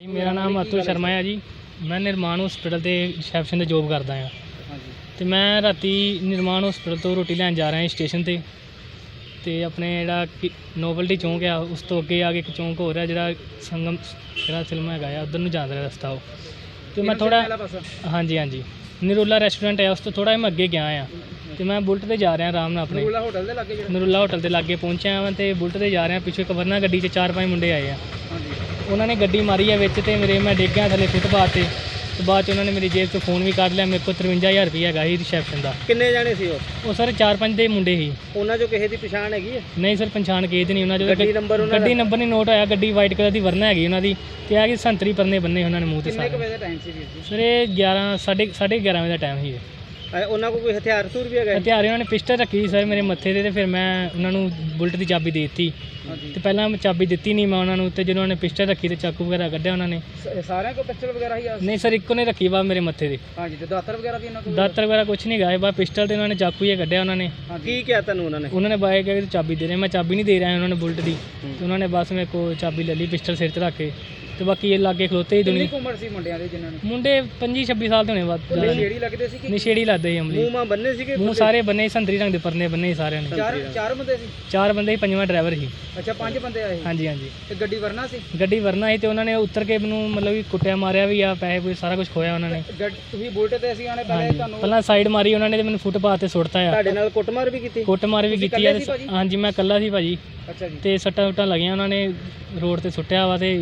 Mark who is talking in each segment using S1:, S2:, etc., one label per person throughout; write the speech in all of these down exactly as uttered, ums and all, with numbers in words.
S1: ਮੇਰਾ ਨਾਮ ਅਤੁਲ ਸ਼ਰਮਾ ਹੈ ਜੀ। ਮੈਂ ਨਿਰਮਾਣ ਹਸਪੀਟਲ ਤੇ ਰਿਸੈਪਸ਼ਨ ਤੇ ਜੋਬ ਕਰਦਾ ਹਾਂ ਤੇ ਮੈਂ ਰਾਤੀ ਨਿਰਮਾਣ ਹਸਪੀਟਲ ਤੋਂ ਰੋਟੀ ਲੈਣ ਜਾ ਰਿਹਾ ਸਟੇਸ਼ਨ ਤੇ ਤੇ ਆਪਣੇ ਜਿਹੜਾ ਨੋਵਲਟੀ ਚੌਂਕ ਆ ਉਸ ਤੋਂ ਅੱਗੇ ਆ ਕੇ ਇੱਕ ਚੌਂਕ ਹੋ ਰਿਹਾ ਜਿਹੜਾ ਸੰਗਮ ਜਿਹੜਾ ਫਿਲਮ ਹੈਗਾ ਆ ਉੱਧਰ ਨੂੰ ਜਾਂਦਾ ਰਿਹਾ ਰਸਤਾ ਉਹ ਤੇ ਮੈਂ ਥੋੜਾ ਹਾਂਜੀ ਹਾਂਜੀ ਨਰੂਲਾ ਰੈਸਟੋਰੈਂਟ ਹੈ ਉਸ ਤੋਂ ਥੋੜਾ ਮੈਂ ਅੱਗੇ ਗਿਆ ਆ ਤੇ ਮੈਂ ਬੁਲਟ ਤੇ ਜਾ ਰਿਹਾ ਆਰਾਮ ਨਾਲ ਆਪਣੇ ਨਰੂਲਾ ਹੋਟਲ ਦੇ ਲਾਗੇ ਨਰੂਲਾ ਹੋਟਲ ਦੇ ਲਾਗੇ ਪਹੁੰਚਿਆ ਹਾਂ ਤੇ ਬੁਲਟ ਤੇ ਜਾ ਰਿਹਾ ਪਿੱਛੇ ਇੱਕ ਵਰਨਾ ਗੱਡੀ 'ਚ ਚਾਰ ਪੰਜ ਮੁੰਡੇ ਆਏ ਆ ਉਹਨਾਂ ਨੇ ਗੱਡੀ ਮਾਰੀ ਹੈ ਵਿੱਚ ਤੇ ਮੇਰੇ ਮੈਂ ਡਿੱਗ ਗਿਆ ਥੱਲੇ ਫੁੱਟਪਾਥ ਤੇ ਤੇ ਬਾਅਦ 'ਚ ਉਹਨਾਂ ਨੇ ਮੇਰੀ ਜੇਬ 'ਚੋਂ ਫੋਨ ਵੀ ਕੱਢ ਲਿਆ। ਮੇਰੇ ਕੋਲ ਤਰਵੰਜਾ ਹਜ਼ਾਰ ਰੁਪਈਆ ਹੈਗਾ ਸੀ ਰਿਸੈਪਸ਼ਨ ਦਾ।
S2: ਕਿੰਨੇ ਜਾਣੇ ਸੀ ਉਹ?
S1: ਉਹ ਸਰ ਚਾਰ ਪੰਜ ਦੇ ਮੁੰਡੇ ਸੀ।
S2: ਉਹਨਾਂ 'ਚੋਂ ਕਿਸੇ ਦੀ ਪਛਾਣ ਹੈਗੀ ਹੈ?
S1: ਨਹੀਂ ਸਰ ਪਛਾਣ ਕਿਸੇ ਦੀ ਨਹੀਂ। ਉਹਨਾਂ 'ਚੋਂ
S2: ਗੱਡੀ ਨੰਬਰ ਉਹਨਾਂ
S1: ਗੱਡੀ ਨੰਬਰ ਨਹੀਂ ਨੋਟ ਹੋਇਆ। ਗੱਡੀ ਵਾਈਟ ਕਲਰ ਦੀ ਵਰਨਾ ਹੈਗੀ ਉਹਨਾਂ ਦੀ ਤੇ ਆ ਕਿ ਸੰਤਰੀ ਪਰਨੇ ਬੰਨੇ ਉਹਨਾਂ ਨੇ ਮੂੰਹ ਤੇ ਸਾਰੇ।
S2: ਕਿੰਨੇ ਵਜੇ ਦਾ ਟਾਈਮ ਸੀ ਵੀਰ ਜੀ?
S1: ਸਰ ਇਹ ਗਿਆਰਾਂ ਸਾਢੇ ਸਾਢੇ ਗਿਆਰਾਂ ਵਜੇ ਦਾ ਟਾਈਮ ਸੀ।
S2: ਉਹਨਾਂ ਕੋਲ ਕੋਈ ਹਥਿਆਰ ਹਥੂਰ ਵੀ ਹੈਗਾ?
S1: ਹਥਿਆਰ ਉਹਨਾਂ ਨੇ ਪਿਸਟਲ ਰੱਖੀ ਸਰ ਮੇਰੇ ਮੱਥੇ 'ਤੇ ਤੇ ਫਿਰ ਮੈਂ ਉਹਨਾਂ ਨੂੰ ਬੁਲਟ ਦੀ ਚਾਬੀ ਦੇ ਦਿੱਤੀ ਤੇ ਪਹਿਲਾਂ ਮੈਂ ਚਾਬੀ ਦਿੱਤੀ ਨਹੀਂ ਮੈਂ ਉਹਨਾਂ ਨੂੰ ਤੇ ਜਦੋਂ ਉਹਨਾਂ ਨੇ ਪਿਸਟਲ ਰੱਖੀ ਤੇ ਚਾਕੂ ਵਗੈਰਾ ਕੱਢਿਆ ਉਹਨਾਂ ਨੇ।
S2: ਸਾਰਿਆਂ ਕੋਲ ਪਿਸਟਲ ਵਗੈਰਾ ਹੀ ਆ?
S1: ਨਹੀਂ ਸਰ ਇੱਕੋ ਨੇ ਰੱਖੀ ਵਾ ਮੇਰੇ ਮੱਥੇ 'ਤੇ।
S2: ਹਾਂਜੀ ਤੇ ਦਾਤਰ ਵਗੈਰਾ ਵੀ ਇਹਨਾਂ ਕੋਲ?
S1: ਦਾਤਰ ਵਗੈਰਾ ਕੁਛ ਨਹੀਂ ਗਾਏ ਬਾ ਪਿਸਟਲ ਤੇ ਉਹਨਾਂ ਨੇ ਚਾਕੂ ਹੀ ਕੱਢਿਆ ਉਹਨਾਂ ਨੇ।
S2: ਕੀ ਕਿਹਾ ਤੁਹਾਨੂੰ ਉਹਨਾਂ ਨੇ?
S1: ਉਹਨਾਂ ਨੇ ਬਾਏ ਕਿਹਾ ਕਿ ਚਾਬੀ ਦੇ ਰਹੇ। ਮੈਂ ਚਾਬੀ ਨਹੀਂ ਦੇ ਰਿਹਾ ਉਹਨਾਂ ਨੇ ਬੁਲਟ ਦੀ ਤੇ ਉਹਨਾਂ ਨੇ ਬਸ ਮੇਰੇ ਕੋਲ ਚਾਬੀ ਲੈ ਲਈ ਪਿਸਟਲ ਸਿਰ 'ਤੇ ਰੱਖ ਕੇ ਤੇ ਬਾਕੀ ਇਹ ਲਾਗੇ ਖਲੋਤੇ ਹੀ ਦੁਨੀਆ।
S2: ਕਿੰਨੀ ਉਮਰ ਸੀ ਮੁੰਡਿਆਂ ਦੇ ਜਿਨ੍ਹਾਂ ਨੇ?
S1: ਮੁੰਡੇ ਪੰਜੀ ਛੱਬੀ ਸਾਲ ਦੇ ਹੋਣੇ ਬਾਅਦ।
S2: ਨਸ਼ੇੜੀ ਲੱਗਦੇ ਸੀ ਕਿ
S1: ਨਸ਼ੇੜੀ ਲੱਗਦੇ ਸੀ ਅਮਲੀ।
S2: ਮੂੰਹ ਮਾਂ ਬੰਨੇ ਸੀਗੇ?
S1: ਮੂੰਹ ਸਾਰੇ ਬੰਨੇ ਸੰਤਰੀ ਰੰਗ ਦੇ ਪਰਨੇ ਬੰਨੇ ਸਾਰਿਆਂ ਨੇ।
S2: ਚਾਰ ਚਾਰ ਬੰਦੇ ਸੀ?
S1: ਚਾਰ ਬੰਦੇ ਸੀ ਪੰਜਵਾਂ ਡਰਾਈਵਰ ਸੀ।
S2: ਅੱਛਾ ਪੰਜ ਬੰਦੇ ਆਏ?
S1: ਹਾਂਜੀ ਹਾਂਜੀ।
S2: ਤੇ ਗੱਡੀ ਵਰਨਾ ਸੀ?
S1: ਗੱਡੀ ਵਰਨਾ ਸੀ ਤੇ ਉਹਨਾਂ ਨੇ ਉੱਤਰ ਕੇ ਮੈਨੂੰ ਮਤਲਬ ਕਿ ਕੁੱਟਿਆ ਮਾਰਿਆ ਵੀ ਆ ਪੈਸੇ ਪੂਸੇ ਸਾਰਾ ਕੁਝ ਖੋਇਆ ਉਹਨਾਂ ਨੇ।
S2: ਤੁਸੀਂ ਬੁਲਟ ਤੇ ਅਸੀਂ ਆਣੇ ਪਹਿਲੇ ਤੁਹਾਨੂੰ?
S1: ਪਹਿਲਾਂ ਸਾਈਡ ਮਾਰੀ ਉਹਨਾਂ ਨੇ ਤੇ ਮੈਨੂੰ ਫੁੱਟਪਾਥ ਤੇ ਸੁੱਟਤਾ ਆ।
S2: ਤੁਹਾਡੇ ਨਾਲ ਕੁੱਟਮਾਰ ਵੀ ਕੀਤੀ?
S1: ਕੁੱਟਮਾਰ ਵੀ ਕੀਤੀ ਆ। ਹਾਂਜੀ ਮੈਂ ਇਕੱਲਾ ਸੀ ਭਾਜੀ।
S2: ਅੱਛਾ ਜੀ।
S1: ਤੇ ਸੱਟਾਂ ਸੁੱਟਾਂ ਲੱਗੀਆਂ ਉਹਨਾਂ ਨੇ ਰੋਡ ਤੇ ਸੁੱਟਿਆ ਵਾ ਤੇ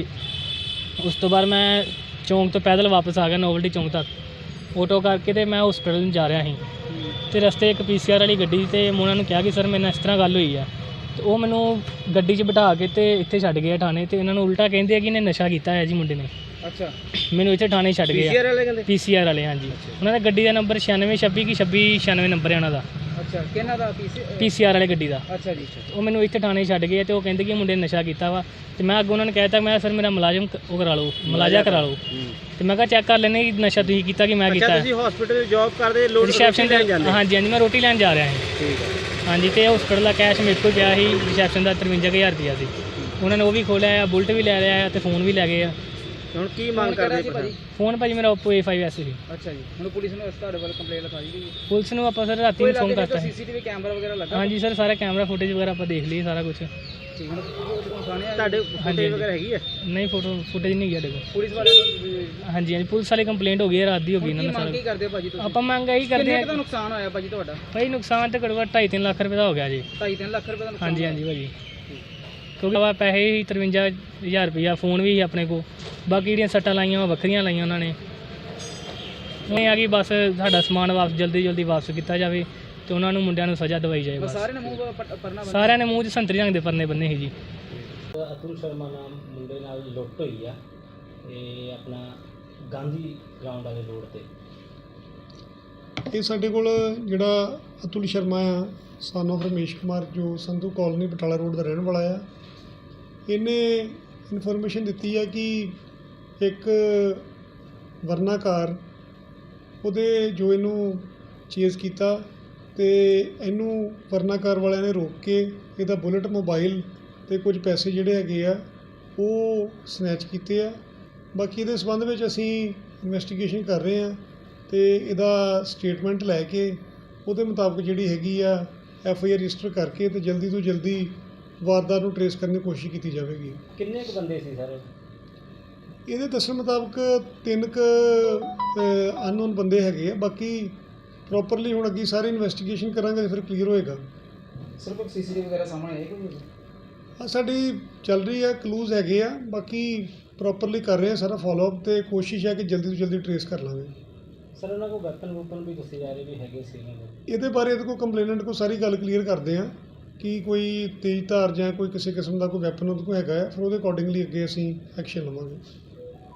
S1: ਉਸ ਤੋਂ ਬਾਅਦ ਮੈਂ ਚੌਂਕ ਤੋਂ ਪੈਦਲ ਵਾਪਸ ਆ ਗਿਆ ਨੋਵਲਟੀ ਚੌਂਕ ਤੱਕ ਆਟੋ ਕਰਕੇ ਤੇ ਮੈਂ ਹਸਪੀਟਲ ਨੂੰ ਜਾ ਰਿਹਾ ਸੀ ਤੇ ਰਸਤੇ ਇੱਕ ਪੀ ਸੀ ਆਰ ਵਾਲੀ ਗੱਡੀ ਤੇ ਮੈਂ ਉਹਨਾਂ ਨੂੰ ਕਿਹਾ ਕਿ ਸਰ ਮੇਰੇ ਨਾਲ ਇਸ ਤਰ੍ਹਾਂ ਗੱਲ ਹੋਈ ਆ ਤੇ ਉਹ ਮੈਨੂੰ ਗੱਡੀ 'ਚ ਬਿਠਾ ਕੇ ਤੇ ਇੱਥੇ ਛੱਡ ਗਏ ਥਾਣੇ ਤੇ ਇਹਨਾਂ ਨੂੰ ਉਲਟਾ ਕਹਿੰਦੇ ਆ ਕਿ ਇਹਨੇ ਨਸ਼ਾ ਕੀਤਾ ਹੈ ਜੀ ਮੁੰਡੇ ਨੇ।
S2: ਅੱਛਾ
S1: ਮੈਨੂੰ ਇੱਥੇ ਥਾਣੇ ਛੱਡ ਗਏ।
S2: ਪੀ ਸੀ ਆਰ ਵਾਲੇ ਕਹਿੰਦੇ?
S1: ਪੀ ਸੀ ਆਰ ਵਾਲੇ ਹਾਂਜੀ। ਉਹਨਾਂ ਦਾ ਗੱਡੀ ਦਾ ਨੰਬਰ ਛਿਆਨਵੇਂ ਛੱਬੀ ਕਿ ਛੱਬੀ ਛਿਆਨਵੇਂ ਨੰਬਰ ਹੈ ਉਹਨਾਂ ਦਾ।
S2: ਅੱਛਾ ਕਿਹਨਾਂ ਦਾ?
S1: ਪੀ ਸੀ ਆਰ ਵਾਲੇ ਗੱਡੀ ਦਾ।
S2: ਅੱਛਾ ਜੀ।
S1: ਉਹ ਮੈਨੂੰ ਇੱਥੇ ਥਾਣੇ ਛੱਡ ਗਏ ਤੇ ਉਹ ਕਹਿੰਦੇ ਕਿ ਮੁੰਡੇ ਨੇ ਨਸ਼ਾ ਕੀਤਾ ਵਾ ਤੇ ਮੈਂ ਅੱਗੇ ਉਹਨਾਂ ਨੇ ਕਹਿ ਤਾ ਮੈਂ ਸਰ ਮੇਰਾ ਮੁਲਾਜ਼ਮ ਉਹ ਕਰਾ ਲਓ ਮੁਲਾਜ਼ਾ ਕਰਾ ਲਓ ਤੇ ਮੈਂ ਕਿਹਾ ਚੈੱਕ ਕਰ ਲੈਣੇ ਕਿ ਨਸ਼ਾ ਤੁਸੀਂ ਕੀਤਾ ਕਿ ਮੈਂ ਕੀਤਾ।
S2: ਤੁਸੀਂ ਹਸਪੀਟਲ ਜੌਬ ਕਰਦੇ ਲੋਡ
S1: ਰਿਸੈਪਸ਼ਨ ਤੇ? ਹਾਂਜੀ ਹਾਂਜੀ ਮੈਂ ਰੋਟੀ ਲੈਣ ਜਾ ਰਿਹਾ ਸੀ।
S2: ਠੀਕ ਹੈ।
S1: ਹਾਂਜੀ ਤੇ ਹਸਪੀਟਲ ਦਾ ਕੈਸ਼ ਮੇਰੇ ਕੋਲ ਪਿਆ ਸੀ ਰਿਸੈਪਸ਼ਨ ਦਾ ਤਰਵੰਜਾ ਹਜ਼ਾਰ ਰੁਪਈਆ ਸੀ। ਉਹਨਾਂ ਨੇ ਉਹ ਵੀ ਖੋਲਿਆ ਆ ਬੁਲਟ ਵੀ ਲੈ ਲਿਆ ਆ ਤੇ ਫੋਨ ਵੀ ਲੈ ਗਏ ਆ।
S2: ਹੁਣ ਕੀ ਮੰਗ ਕਰਦੇ ਸੀ ਭਾਜੀ?
S1: ਫੋਨ ਭਾਜੀ ਮੇਰਾ Oppo A five S C.
S2: ਅੱਛਾ ਜੀ। ਹੁਣ ਪੁਲਿਸ ਨੂੰ ਤੁਹਾਡੇ ਵੱਲ ਕੰਪਲੇਂਟ ਲਿਖਾਈ ਗਈ?
S1: ਪੁਲਿਸ ਨੂੰ ਆਪਾਂ ਸਰ ਰਾਤੀ ਨੂੰ ਫੋਨ ਕਰਤਾ
S2: ਸੀ ਸੀ ਟੀ ਵੀ ਕੈਮਰਾ ਵਗੈਰਾ ਲੱਗਾ? ਹਾਂਜੀ
S1: ਸਰ ਸਾਰਾ ਕੈਮਰਾ ਫੁਟੇਜ ਵਗੈਰਾ ਆਪਾਂ ਦੇਖ ਲਈ ਸਾਰਾ ਕੁਝ।
S2: ਠੀਕ ਹੁਣ ਤੁਹਾਡੇ ਫੁਟੇਜ ਵਗੈਰਾ ਹੈਗੀ ਹੈ?
S1: ਨਹੀਂ ਫੋਟੋ ਫੁਟੇਜ ਨਹੀਂ ਗਿਆ ਦੇਖੋ
S2: ਪੁਲਿਸ ਵਾਲੇ ਨੂੰ? ਹਾਂਜੀ
S1: ਹਾਂਜੀ ਪੁਲਿਸ ਵਾਲੀ ਕੰਪਲੇਂਟ ਹੋ ਗਈ ਹੈ ਰਾਤ ਦੀ ਹੋ ਗਈ ਇਹਨਾਂ ਨੇ ਸਾਰਾ।
S2: ਕੀ ਕਰਦੇ ਭਾਜੀ ਤੁਸੀਂ? ਆਪਾਂ
S1: ਮੰਗ ਇਹੀ ਕਰਦੇ ਆ।
S2: ਕਿੰਨਾ ਕੁ ਨੁਕਸਾਨ ਹੋਇਆ ਭਾਜੀ ਤੁਹਾਡਾ? ਭਾਈ
S1: ਨੁਕਸਾਨ ਤੇ ਘੱਟੋ ਘੱਟ ਢਾਈ ਤਿੰਨ ਲੱਖ ਰੁਪਏ ਦਾ ਹੋ ਗਿਆ ਜੀ।
S2: ਢਾਈ ਤਿੰਨ ਲੱਖ ਰੁਪਏ ਦਾ ਨੁਕਸਾਨ?
S1: ਹਾਂਜੀ ਹਾਂਜੀ ਭਾਜੀ ਕਿਉਂਕਿ ਵਾ ਪੈਸੇ ਹੀ ਤਰਵੰਜਾ ਹਜ਼ਾਰ ਰੁਪਈਆ ਫੋਨ ਵੀ ਸੀ ਆਪਣੇ ਕੋਲ ਬਾਕੀ ਜਿਹੜੀਆਂ ਸੱਟਾਂ ਲਾਈਆਂ ਵਾ ਵੱਖਰੀਆਂ ਲਾਈਆਂ ਉਹਨਾਂ ਨੇ। ਇਹ ਆ ਕਿ ਬਸ ਸਾਡਾ ਸਮਾਨ ਵਾਪਸ ਜਲਦੀ ਜਲਦੀ ਵਾਪਸ ਕੀਤਾ ਜਾਵੇ ਤੇ ਉਹਨਾਂ ਨੂੰ ਮੁੰਡਿਆਂ ਨੂੰ ਸਜ਼ਾ ਦਵਾਈ ਜਾਏ।
S2: ਸਾਰਿਆਂ ਨੇ ਮੂੰਹ ਪਰਨਾ
S1: ਸਾਰਿਆਂ ਨੇ ਮੂੰਹ 'ਚ ਸੰਤਰੀ ਰੰਗ ਦੇ ਪਰਨੇ ਬੰਨੇ ਸੀ ਜੀ।
S3: ਅਤੁਲ ਸ਼ਰਮਾ ਨਾਮ ਮੁੰਡੇ ਨਾਲ ਲੁੱਟ ਹੋਈ ਆ ਇਹ ਆਪਣਾ ਗਾਂਧੀ ਗਰਾਊਂਡ ਵਾਲੇ ਰੋਡ ਤੇ।
S4: ਇਹ ਸਾਡੇ ਕੋਲ ਜਿਹੜਾ ਅਤੁਲ ਸ਼ਰਮਾ ਆ ਸਨ ਆਫ ਰਮੇਸ਼ ਕੁਮਾਰ ਜੋ ਸੰਧੂ ਕਾਲੋਨੀ ਬਟਾਲਾ ਰੋਡ ਦਾ ਰਹਿਣ ਵਾਲਾ ਆ ਇਹਨੇ ਇਨਫੋਰਮੇਸ਼ਨ ਦਿੱਤੀ ਆ ਕਿ ਇੱਕ ਵਰਨਾ ਕਾਰ ਉਹਦੇ ਜੋ ਇਹਨੂੰ ਚੇਜ਼ ਕੀਤਾ ਤੇ ਇਹਨੂੰ ਵਰਨਾ ਕਾਰ ਵਾਲਿਆਂ ਨੇ ਰੋਕ ਕੇ ਇਹਦਾ ਬੁਲਟ ਮੋਬਾਈਲ ਤੇ ਕੁਝ ਪੈਸੇ ਜਿਹੜੇ ਹੈਗੇ ਆ ਉਹ ਸਨੈਚ ਕੀਤੇ ਆ। ਬਾਕੀ ਇਹਦੇ ਸੰਬੰਧ ਵਿੱਚ ਅਸੀਂ ਇਨਵੈਸਟੀਗੇਸ਼ਨ ਕਰ ਰਹੇ ਹਾਂ ਤੇ ਇਹਦਾ ਸਟੇਟਮੈਂਟ ਲੈ ਕੇ ਉਹਦੇ ਮੁਤਾਬਕ ਜਿਹੜੀ ਹੈਗੀ ਆ ਐਫ ਆਈ ਆਰ ਰਜਿਸਟਰ ਕਰਕੇ ਤੇ ਜਲਦੀ ਤੋਂ ਜਲਦੀ ਵਾਰਦਾਤ ਨੂੰ ਟਰੇਸ ਕਰਨ ਦੀ ਕੋਸ਼ਿਸ਼ ਕੀਤੀ ਜਾਵੇਗੀ।
S3: ਕਿੰਨੇ ਕੁ ਬੰਦੇ ਸੀ ਸਰ?
S4: ਇਹਦੇ ਦੱਸਣ ਮੁਤਾਬਕ ਤਿੰਨ ਕੁ ਅਨਨੋਨ ਬੰਦੇ ਹੈਗੇ ਆ। ਬਾਕੀ ਪ੍ਰੋਪਰਲੀ ਹੁਣ ਅੱਗੇ ਸਾਰੀ ਇਨਵੈਸਟੀਗੇਸ਼ਨ ਕਰਾਂਗੇ ਫਿਰ ਕਲੀਅਰ ਹੋਏਗਾ।
S2: ਸਰ ਕੋਈ ਸੀ ਸੀ ਟੀ ਵੀ ਵਗੈਰਾ ਸਾਹਮਣੇ ਆਏ ਕੋਈ?
S4: ਹਾਂ ਸਾਡੀ ਚੱਲ ਰਹੀ ਆ ਕਲੂਜ਼ ਹੈਗੇ ਆ ਬਾਕੀ ਪ੍ਰੋਪਰਲੀ ਕਰ ਰਹੇ ਆ ਸਾਰਾ ਫੋਲੋਅਪ ਤੇ ਕੋਸ਼ਿਸ਼ ਹੈ ਕਿ ਜਲਦੀ ਤੋਂ ਜਲਦੀ ਟਰੇਸ ਕਰ ਲਾਂਗੇ।
S3: ਸਰ ਉਹਨਾਂ ਕੋਲ ਵੈਪਨ ਵੂਪਨ ਵੀ ਦੱਸੇ ਜਾ ਰਹੇ ਵੀ ਹੈਗੇ ਸੀ?
S4: ਇਹਦੇ ਬਾਰੇ ਇਹਦੇ ਕੋਲ ਕੰਪਲੇਨੈਂਟ ਕੋਲ ਸਾਰੀ ਗੱਲ ਕਲੀਅਰ ਕਰਦੇ ਆ ਕਿ ਕੋਈ ਤੇਜ਼ ਧਾਰ ਜਾਂ ਕੋਈ ਕਿਸੇ ਕਿਸਮ ਦਾ ਕੋਈ ਵੈਪਨ ਉਹਦੇ ਕੋਲ ਹੈਗਾ ਹੈ ਫਿਰ ਉਹਦੇ ਅਕੋਰਡਿੰਗਲੀ ਅੱਗੇ ਅਸੀਂ ਐਕਸ਼ਨ ਲਵਾਂਗੇ।